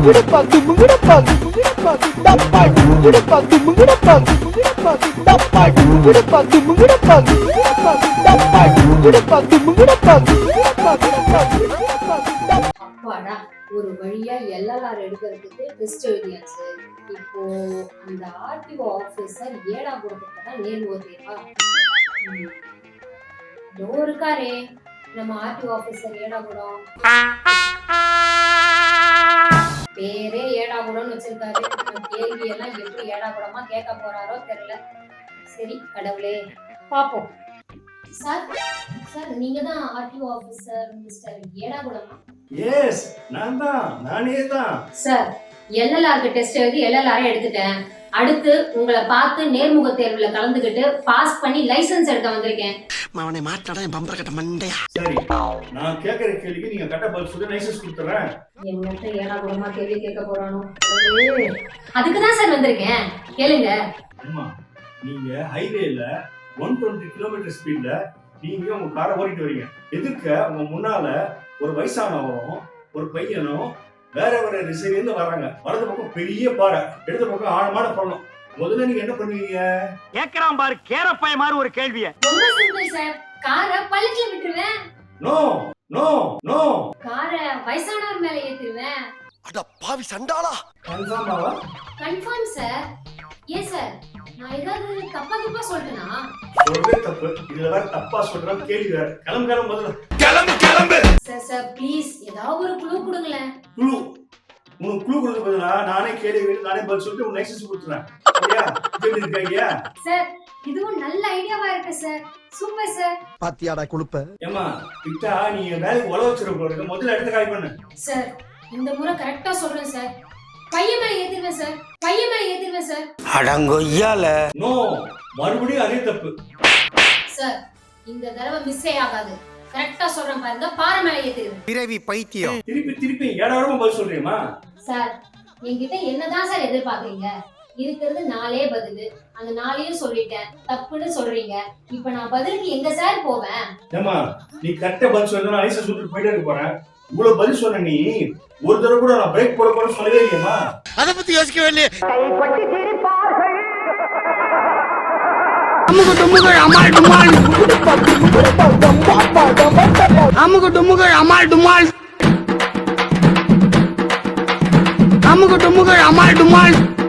அப்பாடா, ஒரு வழியா எல்எல்ஆர் எடுக்கிறதுக்கு டெஸ்ட் எழுதியாச்சு. இப்போ அந்த ஆர்டிஓ ஆபீசர் ஏடா கொடுத்துட்டா நேர்முக தேர்வா? இதோ இருக்காரே நம்ம ஆர்டிஓ ஆபீசர் ஏடாகுடம். பேரே ஏடாகுடம்னு வச்சிருக்காரு. கேள்வி எல்லாம் எப்படி ஏடாகுடமா கேட்க போறாரோ தெரியல. சரி கடவுளே, பாப்போம். சார் சார், நீங்க தான் ஆர்டிஓ ஆபீசர் மிஸ்டர் ஏடாகுடமா? எஸ், நானே தான். சார், எல்எல்ஆருக்கு டெஸ்ட் எழுதி எல்எல்ஆர் எடுத்துட்டேன். அடுத்து உங்களை பார்த்து நேர்முக தேர்வுல கலந்துக்கிட்டு பாஸ் பண்ணி லைசென்ஸ் எடுக்க வந்திருக்கேன். அவனை மாட்டாடா என் பம்பர கட்ட மண்டையா. சரி, நான் கேக்குற கேள்விக்கு நீங்க கரெக்டா பதில் சொல்லி லைசென்ஸ் கொடுத்துறேன். என்னட்ட ஏடாகுடமா கேள்வி கேட்க போறானோ? அதுக்கு தான் சார் வந்திருக்கேன், கேளுங்க. அம்மா, நீங்க ஹைவேல 120 கிலோமீட்டர் ஸ்பீட்ல நீங்க உங்க காரை ஓட்டிட்டு வரீங்க. எதிர்க்க உங்க முன்னால ஒரு வயசானவரும் ஒரு பையனும் வேற வேற திசையிலிருந்து வர்றாங்க. வலது பக்கம் பெரிய பாறை, இடது பக்கம் ஆழமான பள்ளம். முதல்ல நீங்க என்ன பண்ணுவீங்க? கேக்குறான் பாரு கேரப்பாய மாதிரி ஒரு கேள்விய. ரொம்ப சிம்பிள் சார், காரை பள்ளத்துல விட்டுருவேன். நோ நோ நோ, காரை வயசானவர் மேல ஏத்திடுவேன். அட பாவி சண்டாளா. கன்ஃபார்மாவா? Confirm sir. ஏன் சார், நான் ஏதாவது தப்பா சொல்றேனா? சொல்றதே தப்பு, இதுல வேற தப்பா சொல்றேன். கேள்வி வேற. கிளம்பு முதல்ல. கிளம்பு. சார் ப்ளீஸ் ஏதாவது ஒரு க்ளூ கொடுங்களேன். க்ளூ? உனக்கு க்ளூ கொடுக்க பதிலா நானே கேள்வி நானே பதில் சொல்லிட்டு உன் லைசென்ஸ் கொடுத்துறேன். சரியா? எப்படி இருக்கீங்க சார்? இதுவும் நல்ல ஐடியாவா இருக்கு சார். Super sir. பாத்தியாடா குளுப்ப. ஏமா விட்டா நீ வேலைக்கு உழ வச்சிருக்க. முதல்ல எடுத்து காய் பண்ணு. சார், இந்த முறை கரெக்டா சொல்றேன் சார். பையன் மேல ஏத்திடுவேன் சார். பையன் மேல ஏத்திடுவேன் சார். அடங்கொய்யால. நோ, மறுபடியும் அதே தப்பு. சார், இந்த தடவை மிஸ்ஸே ஆகாது. கரெக்டா சொல்றேன் பாருங்க, பாறை மேல ஏத்திடுவேன். பிறவி பைத்தியம். திருப்பி ஏடாவிடமா பதில் சொல்றியமா? சார், என்கிட்ட என்னதான் சார் எதிர்பார்க்கறீங்க? இருக்கிறது 4 பதில். அந்த 4ஐயும் சொல்லிட்டேன், தப்புன்னு சொல்றீங்க. இப்ப நான் பதிலுக்கு எங்க சார் போவேன்? ஏமா, நீ கரெக்டா பதில் சொன்னா லைசென்ஸ் கொடுத்துட்டு போயிட்டே இருக்க போறேன். இவ்வளவு பதில் சொன்ன நீ ஒரு தடவை கூட நான் பிரேக் போட போறேன்னு சொல்லவே இல்லையம்மா. அத பத்தி யோசிக்கவே இல்லையே. அமுகு டுமுகள் அமால் டுமால். அமுகு டுமுகள் அமால் டுமால். அமுகு டுமுகள் அமால் டுமால்.